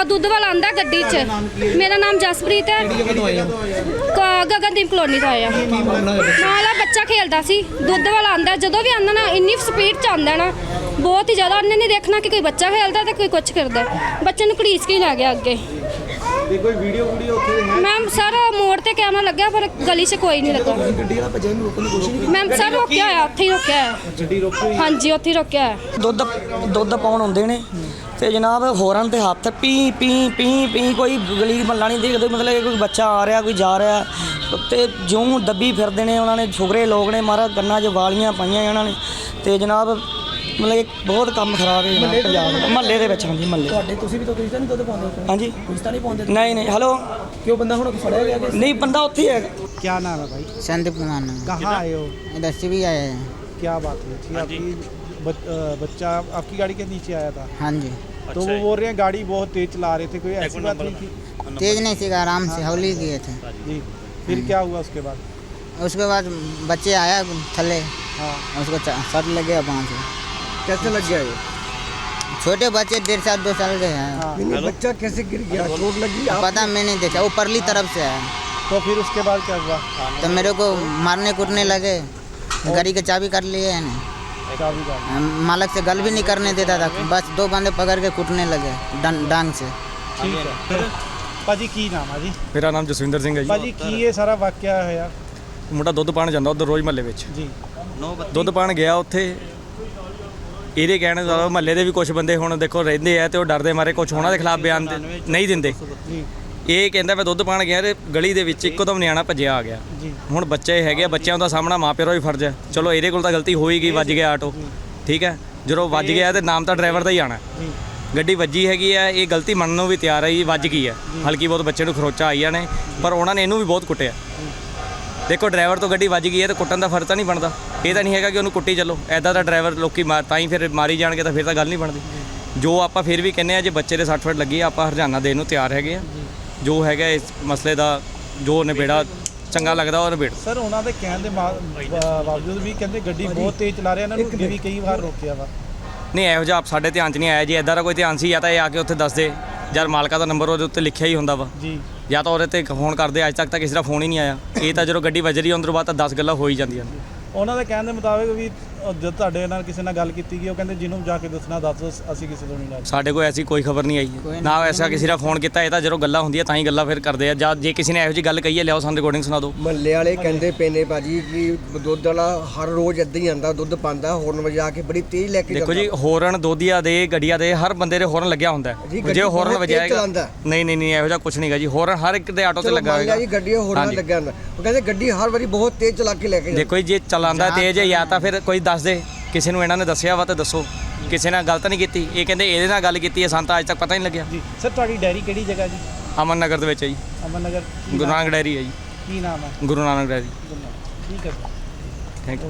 ਦੁੱਧ ਵਾਲਾ ਆਂਦਾ ਗੱਡੀ 'ਚ। ਮੇਰਾ ਨਾਮ ਜਸਪ੍ਰੀਤ ਹੈ। ਗਗਨਦੀਪ ਕਲੋਨੀ ਤੋਂ ਆਇਆ। ਨਾਲ ਬੱਚਾ ਖੇਲਦਾ ਸੀ। ਦੁੱਧ ਵਾਲਾ ਆਂਦਾ, ਜਦੋਂ ਵੀ ਆਂਦਾ ਨਾ ਇੰਨੀ ਸਪੀਡ 'ਚ ਆਂਦਾ ਨਾ, ਬਹੁਤ ਹੀ ਜ਼ਿਆਦਾ। ਉਹਨੇ ਨਹੀਂ ਦੇਖਣਾ ਕਿ ਕੋਈ ਬੱਚਾ ਖੇਲਦਾ ਤੇ ਕੋਈ ਕੁਛ ਕਰਦਾ। ਬੱਚੇ ਨੂੰ ਘੜੀਸ ਕੇ ਲੈ ਗਿਆ ਅੱਗੇ। ਤੇ ਕੋਈ ਵੀਡੀਓ ਉੱਥੇ ਹੈ? ਮੈਮ ਸਰ ਮੋੜ ਤੇ ਕੈਮਰਾ ਲੱਗਿਆ ਪਰ ਗਲੀ 'ਚ ਕੋਈ ਨਹੀਂ ਲੱਗਾ। ਗੱਡੀ ਵਾਲਾ ਭੱਜਣ ਨੂੰ ਰੋਕਣ ਦੀ ਕੋਸ਼ਿਸ਼ ਨਹੀਂ ਮੈਮ ਸਰ ਰੋਕਿਆ ਹੋਇਆ, ਉੱਥੇ ਹੀ ਰੋਕਿਆ ਹੈ। ਗੱਡੀ ਰੋਕੀ? ਹਾਂਜੀ ਉੱਥੇ ਹੀ ਰੋਕਿਆ ਹੈ। ਦੁੱਧ ਪਾਉਣ ਹੁੰਦੇ ਨੇ ਤੇ ਜਨਾਬ ਹੋਰਨ ਤੇ ਹੱਥ ਪੀ ਪੀ ਪੀ ਪੀ, ਕੋਈ ਗਲੀ ਮੱਲਾ ਨਹੀਂ ਦੇਖਦੇ, ਮਤਲਬ ਕੋਈ ਬੱਚਾ ਆ ਰਿਹਾ ਕੋਈ ਜਾ ਰਿਹਾ ਤੇ ਜਿਉਂ ਦੱਬੀ ਫਿਰਦੇ ਨੇ। ਉਹਨਾਂ ਨੇ ਛੁਗਰੇ ਲੋਕ ਨੇ ਮਾਰਾ ਕੰਨਾਂ 'ਚ ਵਾਲੀਆਂ ਪਾਈਆਂ ਉਹਨਾਂ ਨੇ ਤੇ ਜਨਾਬ ਮਤਲਬ ਬਹੁਤ ਕੰਮ ਖਰਾਬ ਹੈ ਪੰਜਾਬ ਮਹੱਲੇ ਦੇ ਵਿੱਚ। ਹਾਂਜੀ ਮਹੱਲੇ ਤੁਹਾਡੇ ਤੁਸੀਂ ਵੀ ਤਾਂ ਤੁਸੀਂ ਤਾਂ ਨਹੀਂ ਦੁੱਧ ਪਾਉਂਦੇ? ਹਾਂਜੀ ਤੁਸੀਂ ਤਾਂ ਨਹੀਂ ਪਾਉਂਦੇ? ਨਹੀਂ ਹੈਲੋ क्यों बंदा हुन फड़या गया? नहीं बंदा उत्थे ही है। क्या नाम है भाई? संदीप कुमार नाम। कहाँ आए हो? इधर से भी आए हैं। क्या बात हुई थी? आपकी बच्चा आपकी गाड़ी के नीचे आया था? हाँ जी। तो वो बोल रहे हैं गाड़ी बहुत तेज चला रहे थे, कोई ऐसी बात नहीं थी? तेज नहीं सीखा, आराम से हौली किए थे जी। फिर क्या हुआ उसके बाद? उसके बाद बच्चे आया थले, हाँ उसको सट लग गया पाँव से। कैसे लग गया ये? छोटे बच्चे 1.5 साल 2 साल के हैं। हाँ। बच्चा कैसे गिर गया? चोट लगी? पता मैं नहीं देखा, वो परली तरफ से आया। तो फिर उसके बाद क्या हुआ? तो मेरे को मारने कूटने लगे, गाड़ी की चाबी कर लिए है ना, चाबी का? मालक से गल भी नहीं करने देता था, बस 2 बंदे पकड़ के कूटने लगे डांग से। ठीक है। फिर ਭਾਜੀ ਕੀ ਨਾਮ ਆ ਜੀ? ਮੇਰਾ ਨਾਮ ਜਸਵਿੰਦਰ ਸਿੰਘ ਹੈ ਜੀ। ਭਾਜੀ ਕੀ ਇਹ ਸਾਰਾ ਵਾਕਿਆ ਹੋਇਆ? ਮੁੰਡਾ ਦੁੱਧ ਪਾਣ ਜਾਂਦਾ ਉਧਰ ਰੋਜ਼ ਮਹੱਲੇ ਵਿੱਚ। ਜੀ। ਦੁੱਧ ਪਾਣ ਗਿਆ ਉੱਥੇ, ਇਹਦੇ ਕਹਿਣ ਦਾ ਮਹੱਲੇ ਦੇ ਵੀ ਕੁਝ ਬੰਦੇ ਹੁਣ ਦੇਖੋ ਰਹਿੰਦੇ ਆ ਤੇ ਉਹ ਡਰਦੇ ਮਾਰੇ ਕੁਝ ਉਹਨਾਂ ਦੇ ਖਿਲਾਫ ਬਿਆਨ ਨਹੀਂ ਦਿੰਦੇ। ਜੀ ਇਹ ਕਹਿੰਦਾ ਮੈਂ ਦੁੱਧ ਪਾਣ ਗਿਆ ਤੇ ਗਲੀ ਦੇ ਵਿੱਚ ਇੱਕਦਮ ਨਿਆਣਾ ਭੱਜਿਆ ਆ ਗਿਆ। ਜੀ। ਹੁਣ ਬੱਚੇ ਹੈਗੇ ਆ, ਬੱਚਿਆਂ ਦਾ ਸਾਹਮਣਾ ਮਾਂ ਪਿਓ ਦਾ ਵੀ ਫਰਜ਼ ਹੈ। ਚਲੋ ਇਹਦੇ ਕੋਲ ਤਾਂ ਗਲਤੀ ਹੋਈ ਗਈ, ਵੱਜ ਗਿਆ ਆਟੋ, ਠੀਕ ਹੈ। ਜਦੋਂ ਵੱਜ ਗਿਆ ਤੇ ਨਾਮ ਤਾਂ ਡਰਾਈਵਰ ਦਾ ਹੀ ਆਣਾ। ਜੀ। ਗੱਡੀ ਵੱਜੀ ਹੈਗੀ ਆ, ਇਹ ਗਲਤੀ ਮੰਨਣ ਨੂੰ ਵੀ ਤਿਆਰ ਹੈ ਜੀ, ਵੱਜ ਗਈ ਹੈ। ਹਲਕੀ ਬਹੁਤ ਬੱਚੇ ਨੂੰ ਖਰੋਚਾ ਆਈਆਂ ਨੇ, ਪਰ ਉਹਨਾਂ ਨੇ ਇਹਨੂੰ ਵੀ ਬਹੁਤ ਕੁੱਟਿਆ। ਦੇਖੋ ਡਰਾਈਵਰ ਤੋਂ ਗੱਡੀ ਵੱਜ ਗਈ ਹੈ ਤੇ ਕੁੱਟਣ ਦਾ ਫਰਜ਼ ਤਾਂ ਨਹੀਂ ਬਣਦਾ। ਇਹ ਤਾਂ ਨਹੀਂ ਹੈਗਾ ਕਿ ਉਹਨੂੰ ਕੁੱਟੀ ਚੱਲੋ, ਐਦਾਂ ਦਾ ਡਰਾਈਵਰ ਲੋਕੀ ਤਾਂ ਹੀ ਫਿਰ ਮਾਰੀ ਜਾਣਗੇ, ਤਾਂ ਫਿਰ ਤਾਂ ਗੱਲ ਨਹੀਂ ਬਣਦੀ। ਜੋ ਆਪਾਂ ਫਿਰ ਵੀ ਕਹਿੰਦੇ ਆ ਜੇ ਬੱਚੇ ਦੇ 60 ਫੁੱਟ ਲੱਗੀ ਆਪਾਂ ਹਰਜਾਨਾ ਦੇਣ ਨੂੰ ਤਿਆਰ ਹੈਗੇ ਆ। ਜੋ ਹੈਗਾ ਇਸ ਮਸਲੇ ਦਾ ਜੋ ਨਿਬੇੜਾ ਚੰਗਾ ਲੱਗਦਾ ਉਹ ਨਿਬੇੜ। ਸਰ ਉਹਨਾਂ ਦੇ ਕਹਿਣ ਦੇ ਬਾਵਜੂਦ ਵੀ ਕਹਿੰਦੇ ਗੱਡੀ ਬਹੁਤ ਤੇਜ਼ ਚਲਾ ਰਿਹਾ, ਇਹਨਾਂ ਨੂੰ ਅੱਗੇ ਵੀ ਕਈ ਵਾਰ ਰੋਕਿਆ ਵਾ। ਨਹੀਂ ਇਹੋ ਜਿਹਾ ਸਾਡੇ ਧਿਆਨ 'ਚ ਨਹੀਂ ਆਇਆ ਜੀ। ਇੱਦਾਂ ਦਾ ਕੋਈ ਧਿਆਨ ਸੀ ਜਾਂ ਤਾਂ ਇਹ ਆ ਕੇ ਉੱਥੇ ਦੱਸ ਦੇ, ਜਦ ਮਾਲਕਾ ਦਾ ਨੰਬਰ ਉਹਦੇ ਉੱਤੇ ਲਿਖਿਆ ਹੀ ਹੁੰਦਾ ਵਾ ਜੀ, ਜਾਂ ਤਾਂ ਉਹਦੇ 'ਤੇ ਫੋਨ ਕਰਦੇ। ਅੱਜ ਤੱਕ ਤਾਂ ਕਿਸੇ ਦਾ ਫੋਨ ਹੀ ਨਹੀਂ ਆਇਆ। ਇਹ ਤਾਂ ਜਦੋਂ ਗੱਡੀ ਵੱਜ ਰਹੀ ਉਹਦੇ ਬਾਅਦ ਤਾਂ 10 ਗੱਲਾਂ ਹੋ ਹੀ ਜਾਂਦੀਆਂ ਨੇ। ਉਹਨਾਂ ਦੇ ਕਹਿਣ ਦੇ ਮੁਤਾਬਿਕ ਵੀ ਜਦ ਤੁਹਾਡੇ ਨਾਲ ਕਿਸੇ ਨਾਲ ਗੱਲ ਕੀਤੀ ਗਈ ਉਹ ਕਹਿੰਦੇ ਜਿਹਨੂੰ ਜਾ ਕੇ ਦੱਸਣਾ ਦੱਸ, ਅਸੀਂ ਕਿਸੇ ਤੋਂ ਨਹੀਂ ਲੈ। ਸਾਡੇ ਕੋਲ ਐਸੀ ਕੋਈ ਖਬਰ ਨਹੀਂ ਆਈ ਨਾ ਐਸਾ ਕਿਸੇ ਦਾ ਫੋਨ ਕੀਤਾ। ਇਹ ਤਾਂ ਜਦੋਂ ਗੱਲਾਂ ਹੁੰਦੀਆਂ ਤਾਂ ਹੀ ਗੱਲਾਂ ਫਿਰ ਕਰਦੇ ਆ। ਜਾਂ ਜੇ ਕਿਸੇ ਨੇ ਇਹੋ ਜਿਹੀ ਗੱਲ ਕਹੀ ਹੈ ਲਿਆਓ ਸਾਨੂੰ ਰਿਕਾਰਡਿੰਗ ਸੁਣਾ ਦਿਓ। ਮਹੱਲੇ ਵਾਲੇ ਕਹਿੰਦੇ ਪਏ ਨੇ ਭਾਜੀ ਕਿ ਦੁੱਧ ਵਾਲਾ ਹਰ ਰੋਜ਼ ਇੱਦਾਂ ਹੀ ਆਉਂਦਾ, ਦੁੱਧ ਪਾਉਂਦਾ, ਹੋਰਨ ਵਜਾ ਕੇ ਬੜੀ ਤੇਜ਼ ਲੈ ਕੇ ਦੇਖੋ ਜੀ ਹੋਰਨ ਦੋਧੀਆਂ ਦੇ ਗੱਡੀਆਂ ਦੇ ਹਰ ਬੰਦੇ ਦੇ ਹੋਰਨ ਲੱਗਿਆ ਹੁੰਦਾ ਹੈ। ਜੇ ਹੋਰਨ ਵਜਾਏਗਾ ਨਹੀਂ ਇਹੋ ਜਿਹਾ ਕੁਝ ਨਹੀਂਗਾ ਜੀ। ਹੋਰਨ ਹਰ ਇੱਕ ਦੇ ਆਟੋ ਤੇ ਲੱਗਾ ਹੋਏਗਾ ਜੀ, ਗੱਡੀ ਹੋਰਨ ਲੱਗਿਆ ਹੁੰਦਾ। ਉਹ ਕਹਿੰਦੇ ਗੱਡੀ ਹਰ ਵਾਰੀ ਬਹੁਤ ਤੇਜ਼ ਚਲਾ ਕੇ ਲੈ ਕੇ ਦੇਖੋ ਜੀ ਜੇ ਚਲਾਉਂਦਾ ਤੇਜ਼ ਹੈ ਜਾਂ ਤਾਂ ਫਿਰ ਕੋਈ ਦੱਸ ਦੇ, ਕਿਸੇ ਨੂੰ ਇਹਨਾਂ ਨੇ ਦੱਸਿਆ ਵਾ ਤਾਂ ਦੱਸੋ। ਕਿਸੇ ਨਾਲ ਗਲਤ ਨਹੀਂ ਕੀਤੀ। ਇਹ ਕਹਿੰਦੇ ਇਹਦੇ ਨਾਲ ਗੱਲ ਕੀਤੀ ਹੈ, ਸਾਨੂੰ ਤਾਂ ਅੱਜ ਤੱਕ ਪਤਾ ਹੀ ਨਹੀਂ ਲੱਗਿਆ ਜੀ। ਸਰ ਤੁਹਾਡੀ ਡੈਰੀ ਕਿਹੜੀ ਜਗ੍ਹਾ ਜੀ? ਅਮਨ ਨਗਰ ਦੇ ਵਿੱਚ ਹੈ ਜੀ। ਅਮਨ ਨਗਰ। ਗੁਰੂ ਨਾਨਕ ਡੈਰੀ ਹੈ ਜੀ। ਕੀ ਨਾਮ ਹੈ? ਗੁਰੂ ਨਾਨਕ ਡੈਰੀ। ਠੀਕ ਹੈ।